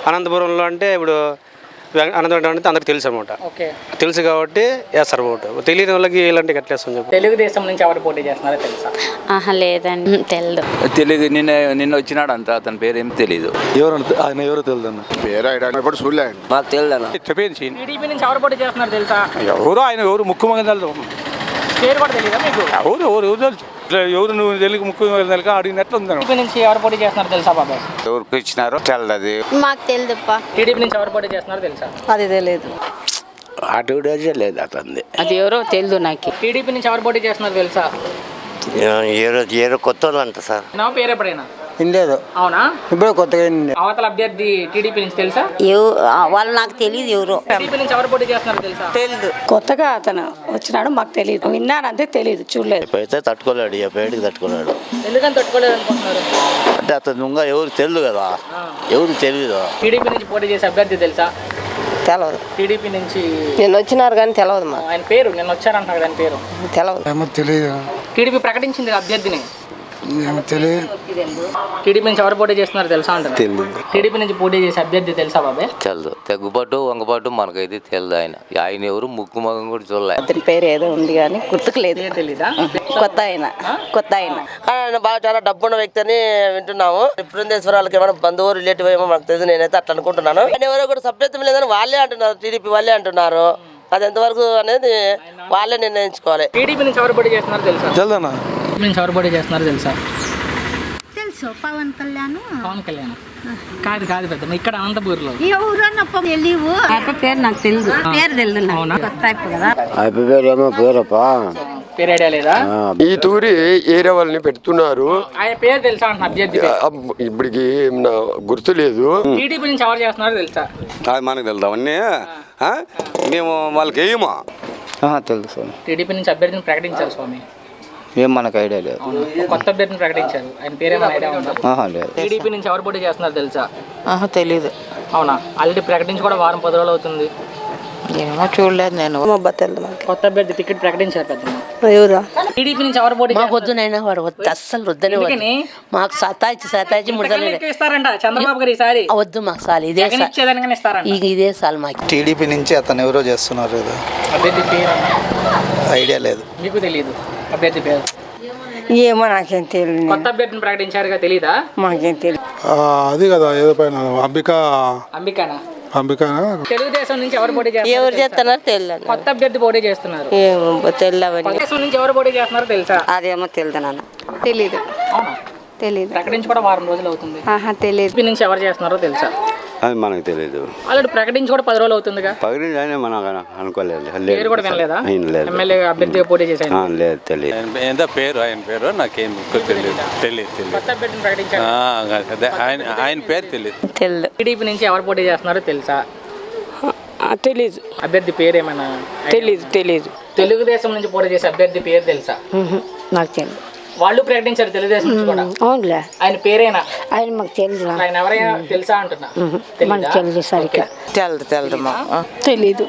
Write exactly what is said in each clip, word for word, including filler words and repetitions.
అనంతపురంలో అంటే ఇప్పుడు అనంతపురం అంటే అందరికి తెలుసు అనమాట. తెలుసు కాబట్టి వేస్తారు ఓటు. తెలియని వాళ్ళకి ఇలాంటి కట్టేస్తాం చెప్పి. తెలుగుదేశం నుంచి ఎవరు పోటీ చేస్తున్నారో తెలుసా? ఆహా లేదండి, తెలియదు. తెలియదు. నిన్న నిన్న వచ్చినాడు అంత, అతని పేరు ఏం తెలియదు. ఎవరు ఆయన ఎవరో తెలియదు అన్న పేరు చూడలేదు మాకు తెలియదు అన్న. టీడీపీ నుంచి ఎవరు పోటీ చేస్తున్నారు తెలుసా? ఎవరు ఆయన ఎవరు ముఖ్యమంత్రి తెలుసు. పేరు కూడా తెలియదా మీకు? ఎవరు ఎవరు ఎవరు తెలుసు. ఎవరు నువ్వు తెలుగు ముఖ్యమంత్రి తెలుగు అడిగినట్లు ఉంది. టీడీపీ నుంచి ఎవరు పోటీ చేస్తున్నారు తెలుసా బాబాయ్? ఎవరికి ఇచ్చినారో తెలదు. మాకు తెలియదుప్పా. టీడీపీ నుంచి ఎవరు పోటీ చేస్తున్నారో తెలుసా? అది తెలియదు. అటు లేదు అతనిది. అది ఎవరో తెలియదు నాకు. టీడీపీ నుంచి ఎవరు పోటీ చేస్తున్నారు తెలుసా? ఏరో కొత్త వాళ్ళు అంట సార్. నా పేరు ఎప్పుడైనా ఇండేదో. అవునా? ఇప్పుడు కొత్తగా అవతల అభ్యర్థి టీడీపీ నుంచి తెలుసా? వాళ్ళు నాకు తెలియదు ఎవరు. టీడీపీ నుంచి ఎవరు పోటీ చేస్తున్నారు తెలుసా? తెలియదు. కొత్తగా అతను వచ్చినాడు, మాకు తెలియదు. విన్నాను అంతే, తెలియదు, చూడలేదు. అయితే తట్టుకోలేడు, ఈ పేడికి తట్టుకోలేడు. ఎందుకని తట్టుకోలేదు అనుకుంటున్నారు? అంటే అతను ఇంకా ఎవరు తెలియదు కదా, ఎవరు తెలియదు. టీడీపీ నుంచి పోటీ చేసే అభ్యర్థి తెలుసా? తెలవదు. టీడీపీ నుంచి నిన్న వచ్చినారు కానీ తెలవదు మాకు. ఆయన పేరు నిన్న వచ్చారంటున్నారు కదా, ఆయన పేరు తెలవదు. తెలియదు. టీడీపీ ప్రకటించింది అభ్యర్థిని. తెలియదు. టీడీపీ నుంచి ఎవరు పోటీ చేస్తున్నారు తెలుసా అంటారు? టీడీపీ నుంచి పోటీ చేసే అభ్యర్థి తెలుసా బాబాయ్? తెలదు. తెగ్గుబాటు వంగబాటు మనకైతే తెలియదు. ఆయన ఆయన ఎవరు ముక్కు మగం కూడా చూడలే. అతని పేరు ఏదో ఉంది కానీ గుర్తుకు లేదు. తెలీదా? కొత్త ఆయన కొత్త ఆయన ఆయన బాగా చాలా డబ్బున్న వ్యక్తి అని వింటున్నాము. బృందేశ్వరాలకి ఏమైనా బంధువు రిలేటివ్ ఏమో మాకు తెలియదు, నేనైతే అట్లా అనుకుంటున్నాను. ఆయన ఎవరో కూడా సభ్యత్వం లేదని వాళ్ళే అంటున్నారు, టీడీపీ వాళ్ళే అంటున్నారు. అది ఎంతవరకు అనేది వాళ్ళే నిర్ణయించుకోవాలి. టీడీపీ నుంచి ఎవరు పోటీ చేస్తున్నారు తెలుసా? తెలుదన్నా. టీడీపీ నుంచి ఎవరు పోటీ చేస్తున్నారు తెలుసా? తెలుసు, పవన్ కళ్యాణ్. పవన్ కళ్యాణ్ కాదు కాదు పెద్ద ఇక్కడ అనంతపూర్లో ఎవరన్నప్ప తెలియవు. పేరు నాకు తెలియదు. పేరు తెలియదు. కొత్త కదా. పేరేమో పేరప్పా, పేరు ఐడియా లేదా? ఈ తూరి ఏరియా వాళ్ళని పెడుతున్నారు. ఆయన పేరు తెలుసా అంటున్నా అభ్యర్థి? ఇప్పటికి గుర్తు లేదు. టీడీపీ నుంచి ఎవరు చేస్తున్నారో తెలుసా? మనకు తెలుదు అవన్నీ. మేము వాళ్ళకి వేయమా తెలుసు. టీడీపీ నుంచి అభ్యర్థిని ప్రకటించారు స్వామి. ఏం మనకు ఐడియా లేదు. కొత్త అభ్యర్థిని ప్రకటించారు, ఆయన పేరేమో ఐడియా ఉందా? లేదు. టీడీపీ నుంచి ఎవరు పోటీ చేస్తున్నారు తెలుసా? తెలియదు. అవునా? ఆల్రెడీ ప్రకటించి కూడా వారం పది రోజులు అవుతుంది. ఏమో చూడలేదు నేను. కొత్త అభ్యర్థి టికెట్ ప్రకటించారు పెద్ద. టీడీపీ నుంచి ఎవరు పోటీ? మాకు వద్దునైనా వాడు వద్దు, అస్సలు వద్దని. మాకు సతాయిచ్చి సతాయిచ్చి ఇస్తారంట చంద్రబాబు గారు ఈసారి. వద్దు మాకు సార్, ఇదే ఇదే సార్ మాకు. టీడీపీ నుంచి అతను ఎవరో చేస్తున్నారు కదా, అభ్యర్థి పేరు ఐడియా లేదు. మీకు తెలియదు అభ్యర్థి పేరు? ఏమో నాకేం తెలియదు. కొత్త అభ్యర్థిని ప్రకటించారుగా, తెలీదా? మాకేం తెలియదు. అది కదా ఏదో పైన అంబిక అంబికానా అంబిక తెలుగుదేశం నుంచి ఎవరు పోటీ చేస్తున్నారు? ఎవరు చేస్తున్నారు తెలియదు. కొత్త అభ్యర్థి పోటీ చేస్తున్నారు. తెలియదు. తెలుగుదేశం నుంచి ఎవరు పోటీ చేస్తున్నారో తెలుసా? అదేమో తెలియదు నాన్న. తెలీదు. అవునా? తెలీదు. ప్రకటించి కూడా వారం రోజులు అవుతుంది. ఆహా తెలీదు. టీడీపీ నుంచి ఎవరు చేస్తున్నారో తెలుసా? అది మనకు తెలియదు. ఆల్రెడీ ప్రకటించి కూడా పది రోజులు అవుతుందిగా. పగిలిందని మనం అనుకోలేదు. పేరు కూడా వినలేదా? ఎమ్మెల్యే అభ్యర్థిగా పోటీ చేశాను. లేదు, తెలియదు. ఎంత పేరు ఆయన పేరు నాకేం తెలియదు. తెలియదు. కొత్త అభ్యర్థిని ప్రకటించారు. ఆయన ఆయన పేరు తెలియదు. తెలియదు. టీడీపీ నుంచి ఎవరు పోటీ చేస్తున్నారో తెలుసా? తెలీదు. అభ్యర్థి పేరు ఏమైనా? తెలీదు. తెలీదు. తెలుగుదేశం నుంచి పోటీ చేసే అభ్యర్థి పేరు తెలుసా? నాకు తెలియదు. వాళ్ళు ప్రకటించారు తెలుగుదేశం నుంచి కూడా. అవునులే. ఆయన పేరేనా? ఆయన మాకు తెలియదు. ఆయన ఎవరైనా తెలుసా అంటున్నా? మనకు తెలియదు సరిగ్గా. తెలదు తెలదు తెలీదు.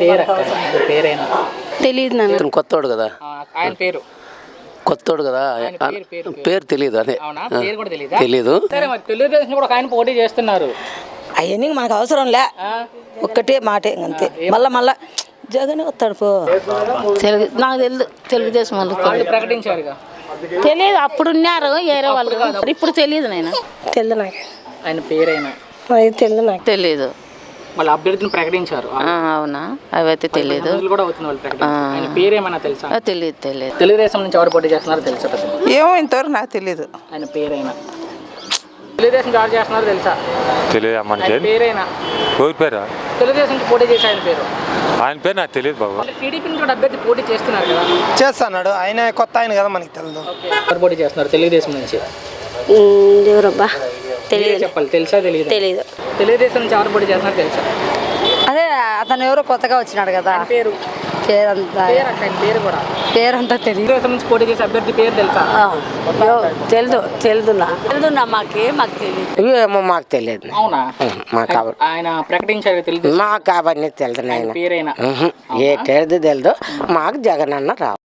పేరేనా? తెలియదు నాన్న. కొత్తోడు కదా ఆయన పేరు. కొత్తోడు కదా పేరు తెలియదు. అదే పేరు కూడా తెలీదా? తెలీదు. సరే, మరి తెలుగుదేశం కూడా ఆయన పోటీ చేస్తున్నారు. అవన్నీ మనకు అవసరం లే, ఒక్కటే మాటే అంతే. మళ్ళా మళ్ళా జగన్ వస్తాడు పో. తెలుగు నాకు తెలియదు. తెలుగుదేశం వాళ్ళు ప్రకటించారుగా. తెలియదు. అప్పుడు ఉన్నారు ఏరే వాళ్ళు, ఇప్పుడు తెలియదు. నేను తెలియదు. నాకు ఆయన పేరైనా తెలియదు. నాకు తెలియదు. వాళ్ళ అభ్యర్థిని ప్రకటించారు. అవునా? అవైతే తెలియదు. కూడా అవుతుంది వాళ్ళు ప్రకటించారు. ఆయన పేరేమైనా తెలుసా? తెలియదు. తెలియదు. తెలుగుదేశం నుంచి ఎవరు పోటీ చేస్తున్నారో తెలుసా? ఏమో ఇంతవరకు నాకు తెలియదు. ఆయన పేరైనా? తెలుగుదేశం ఎవరు చేస్తున్నారో తెలుసా? తెలియదు అమ్మ. పేరైనా? ఎవరి పేరు? తెలుగుదేశం నుంచి పోటీ చేసే ఆయన పేరు? ఆయన పేరు నాకు తెలియదు బాబు. టీడీపీ నుంచి అభ్యర్థి పోటీ చేస్తున్నారు కదా. చేస్తున్నాడు ఆయన, కొత్త ఆయన కదా, మనకి తెలియదు. ఎవరు పోటీ చేస్తున్నారు తెలుగుదేశం నుంచి? ఎవరబ్బా తెలియదు. చెప్పాలి. తెలుసా? తెలియదు. తెలియదు. తెలుగుదేశం నుంచి ఎవరు పోటీ చేస్తున్నారు తెలుసా? అదే అతను ఎవరో కొత్తగా వచ్చినాడు కదా. పేరు? పేరంతా పేరు కూడా పేరంతా తెలియదు. తెలుగుదేశం నుంచి పోటీ చేసే అభ్యర్థి పేరు తెలుసా? తెలుదు. తెలుదున్నా తెలుదున్నా మాకే మాకు తెలియదు. ఏమో మాకు తెలియదు. అవునా? మాకు ఆయన ప్రకటించారు తెలుగు. మాకు అవన్నీ తెలియదు. ఆయన పేరైనా? ఏ తెలియదు తెలియదు. మాకు జగన్ అన్న రావు.